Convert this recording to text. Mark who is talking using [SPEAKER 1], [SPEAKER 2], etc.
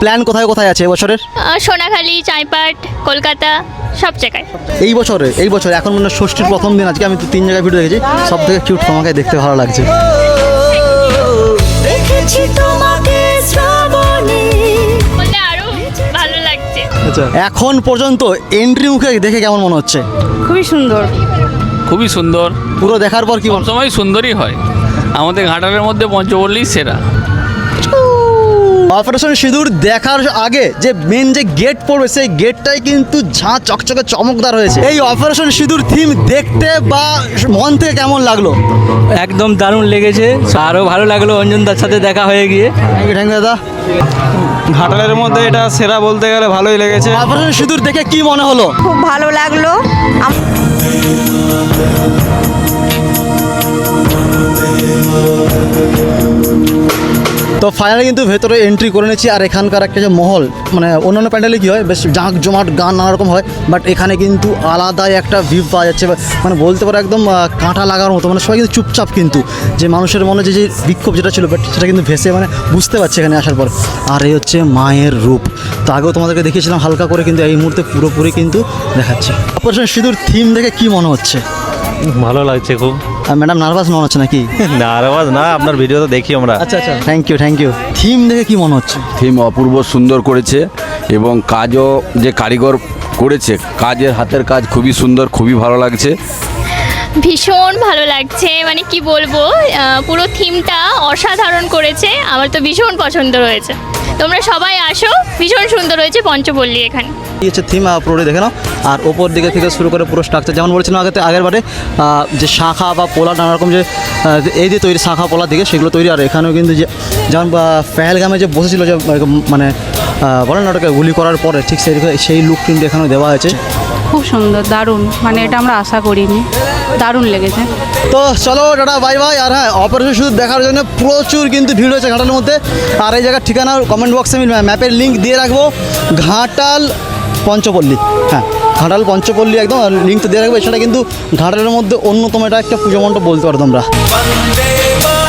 [SPEAKER 1] Plan কোথায় কোথায় আছে এবছরের?
[SPEAKER 2] সোনাখালি, চাইপাট, কলকাতা, সব জায়গায়।
[SPEAKER 1] এই বছরে এখন মানে ষষ্ঠীর প্রথম দিন, আজকে আমি 3 জায়গায় ভিডিও দেখেছি, সব থেকে কিউট তোমাকে দেখতে ভালো লাগছে।
[SPEAKER 2] বললে আরো ভালো লাগছে।
[SPEAKER 1] আচ্ছা, এখন পর্যন্ত এন্ট্রি মুখে দেখে কেমন মনে হচ্ছে?
[SPEAKER 3] খুবই সুন্দর।
[SPEAKER 4] খুবই সুন্দর,
[SPEAKER 1] পুরো দেখার পর কি মনে?
[SPEAKER 4] সবসময় সুন্দরই হয়। আমাদের ঘাটালের মধ্যে পঞ্চপল্লী সেরা।
[SPEAKER 1] অপারেশন সিঁদুর দেখার আগে যে মেন যে গেট পড়বে সেই গেটটাই কিন্তু ঝাঁ চকচকে চমকদার হয়েছে। এই অপারেশন সিঁদুর থিম দেখতে বা মন থেকে কেমন লাগলো?
[SPEAKER 5] একদম দারুণ লেগেছে, আরও ভালো লাগলো অঞ্জনদার সাথে দেখা হয়ে গিয়ে।
[SPEAKER 1] থ্যাংক ইউ দাদা।
[SPEAKER 6] ঘাটালের মধ্যে এটা সেরা বলতে গেলে ভালোই লেগেছে।
[SPEAKER 1] অপারেশন সিঁদুর দেখে কি মনে হলো?
[SPEAKER 3] খুব ভালো লাগলো।
[SPEAKER 1] তো ফাইনালি কিন্তু ভেতরে এন্ট্রি করে নিচ্ছি। আর এখানকার একটা যে মহল, মানে অন্যান্য প্যান্ডেলে কী হয়, বেশ জাঁক জমাট গান নানা রকম হয়, বাট এখানে কিন্তু আলাদাই একটা ভিউ পাওয়া যাচ্ছে। মানে বলতে পারো একদম কাঁটা লাগার মতো, মানে সবাই কিন্তু চুপচাপ, কিন্তু যে মানুষের মনে যে বিক্ষোভ যেটা ছিল, বাট সেটা কিন্তু ভেসে মানে বুঝতে পারছে এখানে আসার পর। আর এই হচ্ছে মায়ের রূপ। তো আগেও তোমাদেরকে দেখিয়েছিলাম হালকা করে, কিন্তু এই মুহূর্তে পুরোপুরি কিন্তু দেখাচ্ছে। অপারেশন সিঁদুর থিম দেখে কি মনে হচ্ছে?
[SPEAKER 7] ভালো লাগছে খুব।
[SPEAKER 1] আর ম্যাডাম নার্ভাস মনে হচ্ছে নাকি?
[SPEAKER 7] নার্ভাস না, আপনার ভিডিও তো দেখি আমরা।
[SPEAKER 1] আচ্ছা, থ্যাংক ইউ। থিম দেখে কি মনে হচ্ছে?
[SPEAKER 8] থিম অপূর্ব সুন্দর করেছে এবং কাজও যে কারিগর করেছে, কাজের হাতের কাজ খুবই সুন্দর, খুবই ভালো লাগছে।
[SPEAKER 2] ভীষণ ভালো লাগছে, মানে কি বলবো, পুরো থিমটা অসাধারণ করেছে। আমার তো ভীষণ পছন্দ হয়েছে। তোমরা সবাই আসো, ভীষণ সুন্দর হয়েছে পঞ্চপল্লী এখানে।
[SPEAKER 1] এই হচ্ছে থিম, পুরোটা দেখে নাও। আর ওপর দিকে থেকে শুরু করে পুরো স্ট্রাকচার, যেমন বলেছিলাম আগের বারে, যে শাখা বা পোলা নানা রকম যে এই যে তৈরি শাখা পোলা দিকে সেগুলো তৈরি। আর এখানেও কিন্তু যে যেমন পেহেলগামে যে বসেছিল, যে মানে বলেন না ওটাকে গুলি করার পরে, ঠিক সেই লুক কিন্তু এখানেও দেওয়া হয়েছে।
[SPEAKER 3] খুব সুন্দর, দারুণ, মানে এটা আমরা আশা করিনি, দারুণ লেগেছে।
[SPEAKER 1] তো চলো টাটা, বাই বাই। আর হ্যাঁ, অপারেশন শুধু দেখার জন্য প্রচুর কিন্তু ভিড় হয়েছে ঘাটালের মধ্যে। আর এই জায়গার ঠিকানা কমেন্ট বক্সে আমি ম্যাপের লিঙ্ক দিয়ে রাখবো। ঘাটাল পঞ্চপল্লী, হ্যাঁ ঘাটাল পঞ্চপল্লী একদম লিঙ্ক তো দিয়ে রাখবো। এছাড়া কিন্তু ঘাটালের মধ্যে অন্যতম এটা একটা পুজো মণ্ডপ বলতে পারো তোমরা।